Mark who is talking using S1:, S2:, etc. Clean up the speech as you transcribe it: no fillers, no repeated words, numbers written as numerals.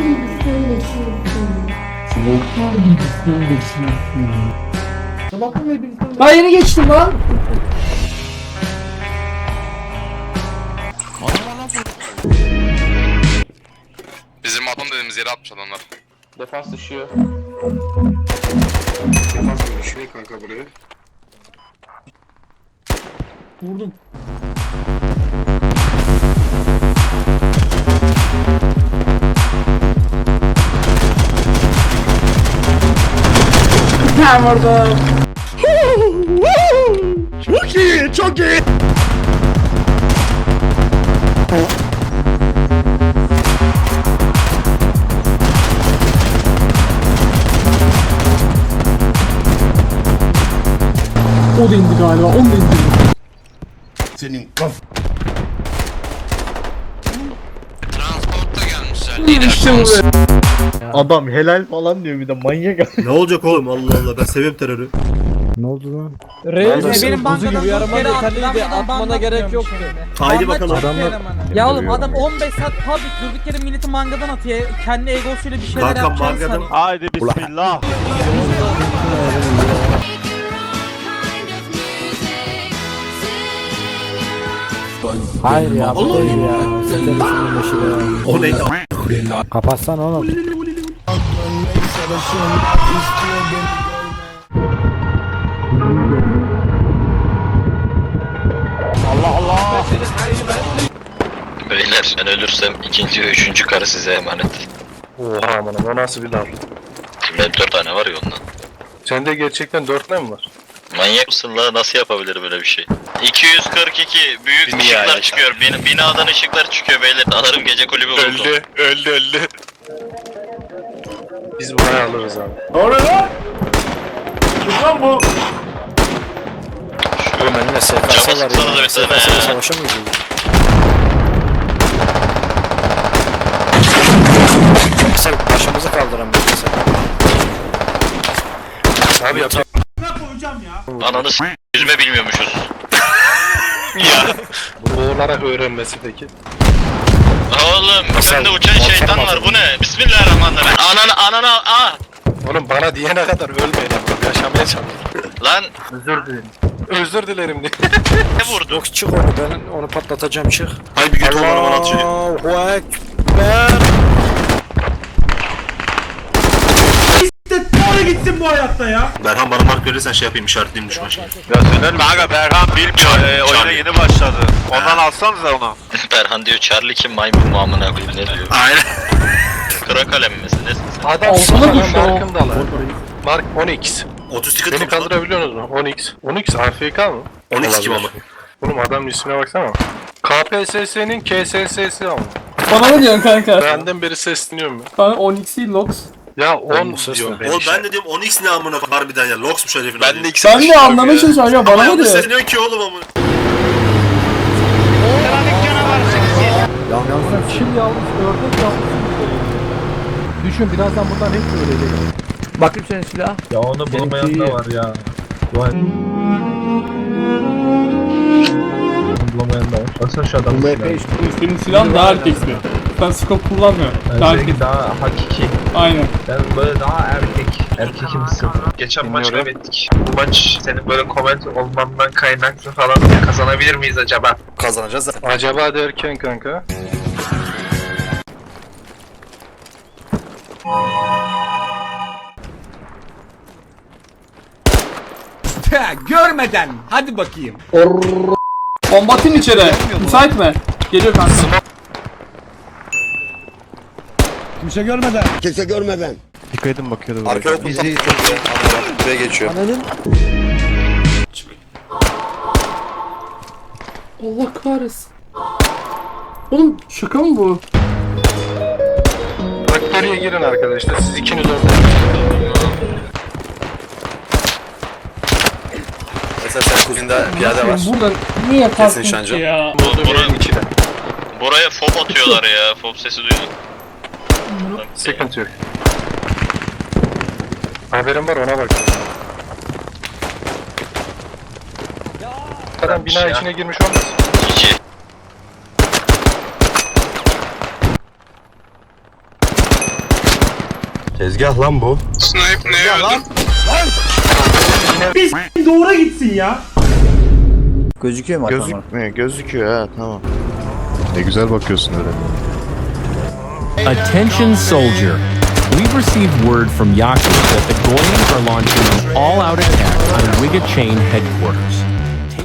S1: Ben yeni geçtim lan.
S2: Bizim adam dediğimiz yere atmış adamlar.
S3: Defans düşüyor.
S2: Defans mı düşüyor kanka buraya?
S1: Vurdum. Ben vurdum.
S4: Çok iyi, çok iyi.
S1: O da indi galiba, onu da indi.
S4: Senin kaf...
S2: Transportta gelmişler.
S1: İşte bu be.
S5: Adam helal falan diyor bir de manyak.
S4: Ne olacak oğlum, Allah Allah, ben seviyorum terörü.
S5: Ne oldu lan?
S6: Benim bankadan gibi yarama yeterliydi. Atmana gerek yoktu.
S4: Haydi bakalım.
S6: Ya oğlum adam 15 saat public durduk yere milleti mangadan atıyor. Kendi egosuyla bir şeyler
S4: Kankam
S6: yapacağını
S4: mangadan...
S6: sanıyor.
S5: Haydi bismillah.
S7: Hayır ya bu değil ya.
S4: O neydi?
S7: Kapatsan oğlum.
S8: Beyler ben ölürsem ikinci ve üçüncü karı size emanet.
S3: Oha aman o nasıl bir laf.
S8: Benim 4 tane var ya ondan.
S3: Sende gerçekten 4 ne mi var?
S8: Manyak mısın la? Nasıl yapabilir böyle bir şey? 242 büyük
S3: Dünya
S8: ışıklar
S3: ya.
S8: çıkıyor. Binadan ışıklar çıkıyor beyler. Alırım gece kulübü oldu.
S3: Öldü. Biz buraya alırız abi.
S7: Oğlum önüne
S8: Cama
S7: SKS var
S8: sıksana da
S7: ya.
S8: bir tane
S7: SKS'yle
S8: ya.
S7: savaşa mı gidiyor? Sen başımızı kaldıran bir insan.
S3: Abi yapacak.
S8: Ananı yüzme bilmiyormuşuz.
S3: Boğularak öğrenmesi peki.
S8: Oğlum bende uçan şeytan var bu ne? Bismillahirrahmanirrahim. Anana
S3: Oğlum bana diyene kadar ölmeyin abi. Yaşamaya çalışıyorum.
S8: Lan
S3: Özür dilerim diye.
S8: ne vurdu?
S7: Yok çık onu ben onu patlatacağım çık.
S4: Hay bir götür bana bana atıyor.
S7: Allahu Ekber.
S4: Berhan bana mark verirsen şey yapayım, işaretleyeyim düşman şeyi.
S5: Ya söyler mi? Kanka Berhan bilmiyor. Oyuna yeni başladı. Ondan alsanıza onu.
S8: Berhan diyor Charlie kim maymun mu amına koyayım ne diyor?
S4: Aynen.
S8: Kıra kalem misin nesin sen?
S3: Adam
S1: Olsana
S3: sana
S1: düştü o.
S3: markındalar. Mark 10x.
S4: 30 ticket
S3: Beni
S4: tutmuş lan.
S3: kaldırabiliyorsunuz mu? 10x. 10x AFK mı?
S4: 12 kim ama?
S3: Oğlum adamın ismine baksana. KPSS'nin KSS'si ama.
S1: Bana ne diyorsun kanka?
S3: Benden beri sesleniyorum ya.
S1: Bana 12 Lox.
S3: Ya 10
S7: bu ses
S3: diyorum
S7: ne?
S3: ben
S4: Oğlum
S3: işte.
S4: ben de diyorum 10x ne amına harbiden ya. Loxmuş herifin adı.
S5: Ben de ikisi
S1: Sen de anlamaya çalışıyorsun ya, bana
S4: Ama
S1: ne
S4: yanlış
S1: diyor?
S4: sesleniyorsun ki oğlum amına.
S7: Yalnızdan çil yalnız ördek yalnız. Düşün birazdan buradan hep ölecek. Bakayım senin silah.
S5: Ya onu bulamayan da var ya. Bulamayan da var. Baksana şu adamın silahı.
S1: Senin silahın daha erkeksi. Sen scope kullanmıyorsun. Daha erkek.
S5: Daha hakiki.
S1: Aynen.
S5: Ben böyle daha erkekimsin. Geçen maç
S3: Bilmiyorum.
S5: kaybettik. Bu maç senin böyle comment olmandan kaynaklı falan kazanabilir miyiz acaba?
S4: Kazanacağız da.
S3: Acaba derken kanka.
S9: Görmeden hadi bakayım.
S1: Bombatın içeri. Müsait mi? Geliyor kanka.
S4: Kimse görmeden.
S7: Dikkat edin bakıyordu.
S4: Arkaya bizi buraya geçiyor.
S1: Allah kahretsin. Oğlum şaka mı bu?
S3: Faktöriye girin arkadaşlar. Siz ikiniz orada.
S4: Mesela sen kuzinde piyade var.
S1: Burada niye yaparsın
S4: Kesin
S1: ki
S4: şancı.
S1: ya?
S3: Benim içine.
S8: Buraya fob atıyorlar ya. Fob sesi duydum.
S3: Sıkıntı yok. Haberim var ona bak. Adam bina içine girmiş olmaz.
S8: 2.
S4: Tezgah lan bu.
S2: Snipe neye öldün?
S9: Doğru gitsin ya.
S7: Gözüküyor mu?
S5: Gözükmüyor, gözüküyor ha, tamam.
S3: Ne güzel bakıyorsun öyle.
S10: Attention soldier. We've received word from Yaku that the Goyans are launching an all-out attack on Wiga Chain headquarters.